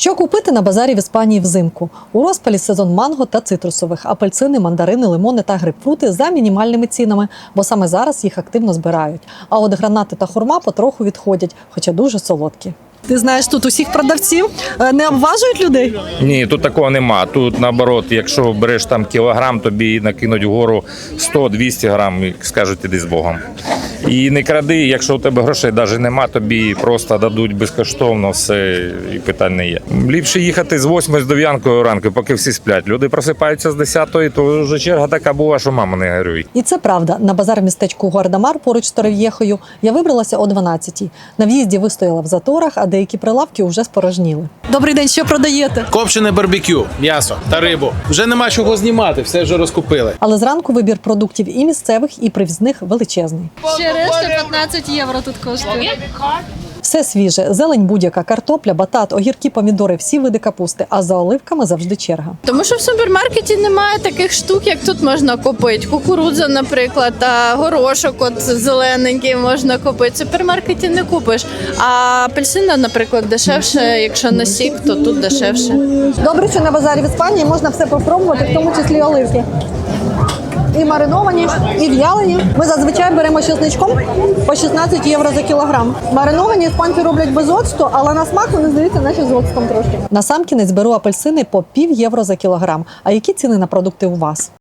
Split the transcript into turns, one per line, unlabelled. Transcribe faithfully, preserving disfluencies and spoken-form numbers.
Що купити на базарі в Іспанії взимку? У розпалі сезон манго та цитрусових, апельсини, мандарини, лимони та грейпфрути за мінімальними цінами, бо саме зараз їх активно збирають. А от гранати та хурма потроху відходять, хоча дуже солодкі. Ти знаєш, тут усіх продавців не обважують людей?
Ні, тут такого нема. Тут наоборот, якщо береш там кілограм, тобі накинуть вгору сто-двісті грам і скажуть, іди з Богом. І не кради, якщо у тебе грошей навіть нема, тобі просто дадуть безкоштовно все, і питань не є. Ліпше їхати з восьмої з дев'ятої ранку, поки всі сплять. Люди просипаються з десятої, то вже черга така була, що мама не горюй.
І це правда. На базар в містечку Гуардамар поруч з Торрев'єхою я вибралася о дванадцятій. На в'їзді вистояла в заторах, а деякі прилавки вже спорожніли. Добрий день, що продаєте?
Копчене барбекю, м'ясо та рибу. Вже нема чого знімати, все вже розкупили.
Але зранку вибір продуктів і місцевих, і привізних величезний.
Ще решта п'ятнадцять євро тут коштує.
Все свіже, зелень будь-яка, картопля, батат, огірки, помідори, всі види капусти, а за оливками завжди черга.
Тому що в супермаркеті немає таких штук, як тут можна купити. Кукурудза, наприклад, та горошок от зелененький можна купити. В супермаркеті не купиш. А апельсина, наприклад, дешевше, якщо на сік, то тут дешевше.
Добре, що на базарі в Іспанії можна все попробувати, в тому числі оливки. І мариновані, і в'ялені. Ми зазвичай беремо з чесничком по шістнадцять євро за кілограм. Мариновані іспанці роблять без оцту, але на смак вони здаються наче з оцтом трошки. Насамкінець беру апельсини по пів євро за кілограм. А які ціни на продукти у вас?